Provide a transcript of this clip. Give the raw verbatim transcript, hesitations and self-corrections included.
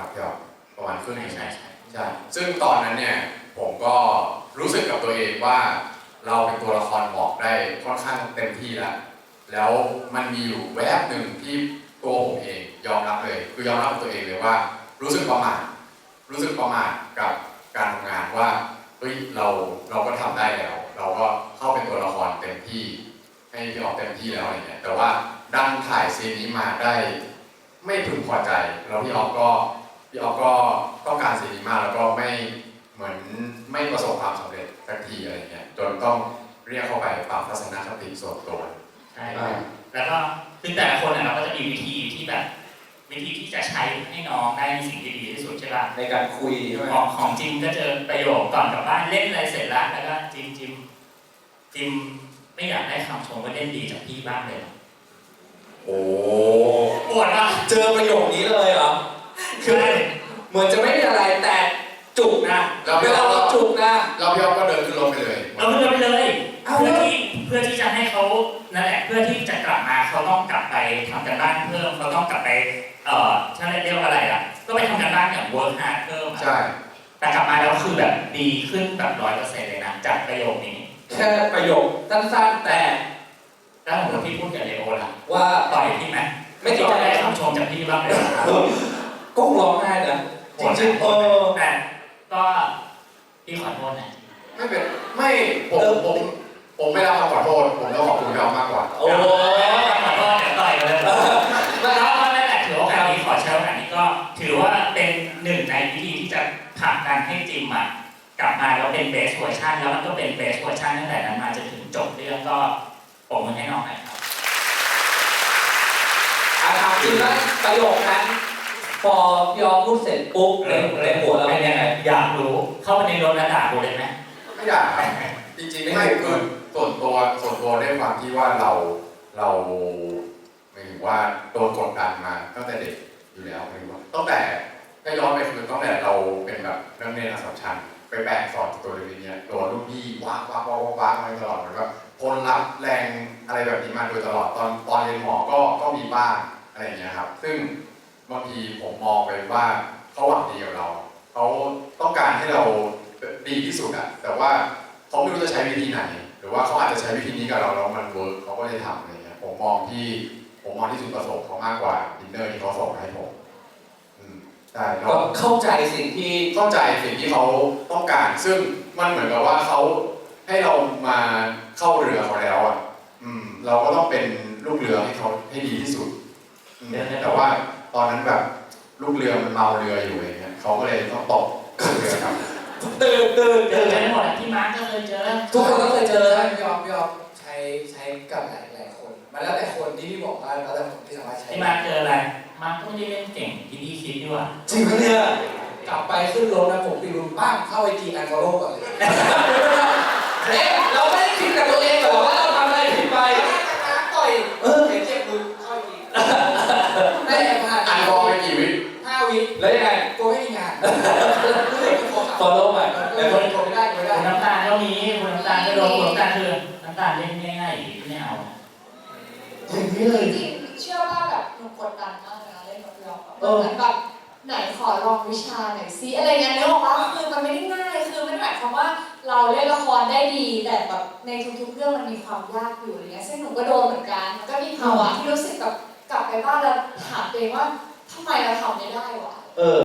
พี่อ๋อประมาณครึ่งหนึ่งใช่ใช่ใช่ซึ่งตอนนั้นเนี่ยผมก็รู้สึกกับตัวเองว่าเราเป็นตัวละครบอกได้ค่อนข้างเต็มที่แล้วแล้วมันมีอยู่แวบหนึ่งที่ตัวผมเองยอมรับเลยคือยอมรับตัวเองเลยว่ารู้สึกประมาทรู้สึกประมาทกับการทำงานว่าเฮ้ยเราเราก็ทำได้แล้วเราก็เข้าเป็นตัวละครเต็มที่ให้พี่ออกเต็มที่แล้วอะไรเงี้ยแต่ว่าดันถ่ายซีนนี้มาได้ไม่พึงพอใจแล้วพี่ออฟก็พี่ออฟก็ต้องการซีนนี้มากแล้วก็ไม่เหมือนไม่ประสบความสำเร็จสักทีอะไรเงี้ยจนต้องเรียกเข้าไปปรับทัศนคติส่วนตัวใช่แล้วก็คือแต่ละคนเราก็จะมีวิธีที่แบบวิธีที่จะใช้ให้น้องได้ในสิ่งที่ดีที่สุดใช่ป่ะในการคุยใช่ไหมของของจิมก็เจอประโยคก่อนกลับบ้านเล่นอะไรเสร็จแล้วแล้วก็จิมจิมจิมไม่อยากได้คำชมว่าเล่นดีจากพี่บ้างเลยโอ้ปวดอ่ะเจอประโยคนี้เลยเหรอคือเหมือนจะไม่มีอะไรแต่จุกนะเวลาเราจุกนะเราพี่ออฟก็เดินขึ้นรถไปเลยเราเดินไปเลยเพื่อที่เพื่อที่จะให้เขานั่นแหละเพื่อที่จะกลับมาเขาต้องกลับไปทำกันบ้านเพิ่มเขาต้องกลับไปเอ่อถ้าเรียกว่าอะไรอ่ะก็ไปทำกันบ้านอย่าง work hard เพิ่มใช่แต่กลับมาแล้วคือแบบดีขึ้นแบบร้อยเปอร์เซ็นต์เลยนะจากประโยคนี้แค่ประโยคสั้นๆแต่แล้วผมกับพี่พูดกับเลโอล่ะว่าต่อยพี่ไหมไม่คิดจะได้คำชมจากพี่บ้างเลยก็ร้องไห้นะจริงๆเออแต่ก็พี่ขอโทษนะไม่เป็นไม่ผมผมผมไม่รับคำขอโทษผมต้องขอบคุณพี่ออฟมากกว่าโอ้ขอโทษเดี๋ยวต่อยกันเลยแล้วก็นั่นแหละถือโอกาสนี้ขอใช้โอกาสนี้ก็ถือว่าเป็นหนึ่งในวิธีที่จะผลักดันให้จิมอ่ะกลับมาแล้วเป็นเบสเวอร์ชันแล้วมันก็เป็นเบสเวอร์ชันตั้งแต่นั้นมาจนถึงจบเรื่องก็ผมมือให้น้องหน่อยครับอาถามจริงว่าประโยคนั้นพอยอมพูดเสร็จปุ๊บในในหัวเราเป็นยังไงอยากรู้เข้าไปในรถแล้วด่ากูเลยไหมไม่ด่าจริงๆไม่คือส่วนตัวส่วนตัวด้วยความที่ว่าเราเราหมายถึงว่าโดนกดดันมาตั้งแต่เด็กอยู่แล้วหมายถึงว่าตั้งแต่ถ้าย้อนไปคือตั้งแต่เราเป็นแบบนักเรียนอักษรชันไปแบกสอนตัวเรียนเนี่ยโดนรุ่นพี่ว้าวว้าวว้าวว้าวมาตลอดเหมือนแบบทนรับแรงอะไรแบบนี้มาโดยตลอดตอนตอนเรียนหมอก็ก็มีบ้างอะไรอย่างเงี้ยครับซึ่งบางทีผมมองไปว่าเขาหวังดีกับเราเขาต้องการให้เราดีที่สุดอะแต่ว่าเขาไม่รู้จะใช้วิธีไหนหรือว่าเขาอาจจะใช้วิธีนี้กับเราแล้วมันเวิร์กเขาก็เลยทำอะไรเงี้ยผมมองที่ผมมองที่จุดประสงค์เขามากกว่าดินเนอร์ที่เขาส่งให้ผมใช่ก็เข้าใจสิ่งที่เข้าใจสิ่งที่เขาต้องการซึ่งมันเหมือนกับว่าเขาให้เรามาเข้าเรือเขาแล้วอ่ะอืมเราก็ต้องเป็นลูกเรือให้เขาให้ดีที่สุดแต่ว่าตอนนั้นแบบลูกเรือมันเมาเรืออยู่อย่างเงี้ยเขาก็เลยต้องตกเรือครับตื่นตื่นเจอกันหมดที่มาร์กก็เคยเจอทุกคนก็เคยเจอพี่ออฟพี่ออฟใช้ใช้กับหลายหลายคนมันแล้วแต่คนที่พี่บอกว่าแล้วแต่คนที่สามารถใช้ที่มาร์กเจออะไรมาร์กก็ไม่ได้เล่นเก่งที่พี่คิดด้วยจริงปะเนี่ยกลับไปขึ้นรถนะผมตีรุนป้างเข้าไอจีอันฟอลโล่ก่อนเลยเอ๊ะเราไม่ได้คิดกับตัวเองหรอว่าเราทำอะไรผิดไปต่อยเออเห็นเจ็บมือเข้าไอจีได้แอบผ่านอันฟอลไปกี่วิห้าวิแล้วยังไงกูไม่มีงานฟอลโล่ใหม่แต่คนคนไม่ได้ไม่ได้คุณน้ำตาลก็มีคุณน้ำตาลก็โดนคุณน้ำตาลคือน้ำตาลเล่นง่ายๆไม่เอาอย่างนี้เลยจริงเชื่อว่าแบบหนูกดดันมากเลยนะเล่นกับพี่ออฟเหมือนแบบไหนขอลองวิชาหน่อยซิอะไรเงี้ยนึกออกปะคือมันไม่ได้ง่ายคือมันหมายความว่าเราเล่นละครได้ดีแต่แบบในทุกๆเรื่องมันมีความยากอยู่อะไรเงี้ยซึ่งหนูก็โดนเหมือนกันก็มีภาวะที่รู้สึกแบบกลับไปบ้านแล้วถามตัวเองว่าทำไมเราทำไม่ได้วะเออ